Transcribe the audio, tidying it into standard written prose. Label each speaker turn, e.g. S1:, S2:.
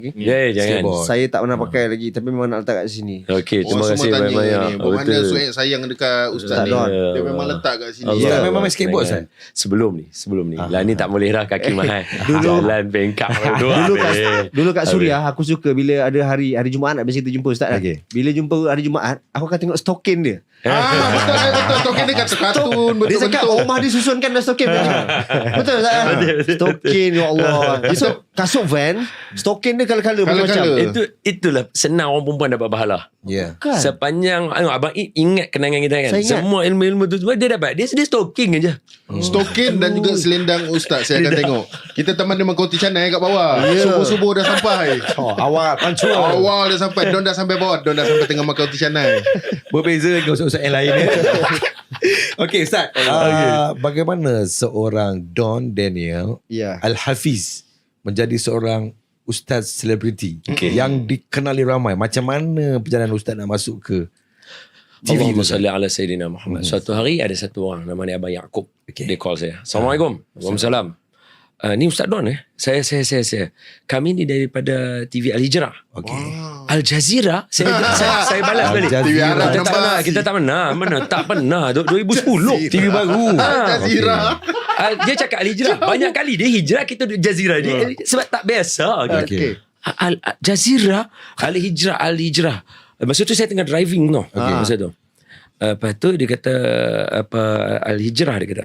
S1: Jangan.
S2: Saya tak pernah pakai lagi, tapi memang nak letak kat sini.
S1: Okey, terima
S3: Semua
S1: kasih
S3: tanya
S1: banyak-banyak.
S3: ni, bermana Suhaib sayang dekat Ustaz ni.
S2: Don.
S3: Dia memang letak kat sini.
S1: Allah.
S4: Ustaz memang main skateboard, Ustaz?
S1: Sebelum ni. Lah ni tak boleh dah, kaki mahal. Jalan bengkak.
S2: Dulu kat Suria aku suka bila ada hari Jumaat biasa kita jumpa Ustaz kan.
S4: Okey.
S2: Bila jumpa hari Jumaat, aku akan tengok stokin dia.
S3: Betul. Token dia kata kartun.
S2: Dia cakap rumah dia susunkan dah stokin. Betul Ustaz kan? Stokin, ya Allah. So kasut van, stokin dia kala-kala macam-macam.
S1: Itulah senang orang perempuan dapat pahala.
S4: Ya.
S2: Kan?
S1: Sepanjang abang ingat kenangan kita kan.
S2: Saya ingat.
S1: Semua ilmu-ilmu tu semua dia dapat. Dia stalking aja.
S3: Stokin dan juga selendang Ustaz saya akan tengok. Kita teman dengan koti canai kat bawah. Subuh-subuh dah sampai.
S4: Awal pancul.
S3: Awal dah sampai. Don dah sampai bawah. Don dah sampai tengah makan koti canai.
S4: Berbeza dengan ustaz-ustaz yang lain. Okey Ustaz, bagaimana seorang Don Daniel
S2: Ya.
S4: Al-Hafiz menjadi seorang ustaz selebriti yang dikenali ramai? Macam mana perjalanan ustaz nak masuk ke TV
S1: Allahumma
S4: tu?
S1: salli ala Sayyidina Muhammad. Suatu hari ada satu orang nama dia Abang Yaakob. Dia call saya. Assalamualaikum. Waalaikumsalam. Ni Ustaz Don Saya. Kami ni daripada TV Al-Hijrah.
S4: Okey.
S1: Al Jazeera. Saya balas balik.
S3: TV Arab
S1: Kita tak pernah. Mana tak pernah. 2010.
S4: TV baru.
S3: Al Jazeera.
S1: Dia cakap Al-Hijrah. Banyak kali dia hijrah, kita duduk Jazeera. Sebab tak biasa.
S4: Okey.
S1: Jazeera, Al-Hijrah. Masa tu saya tengah driving tau. Masa tu. Lepas tu dia kata Al-Hijrah dia kata.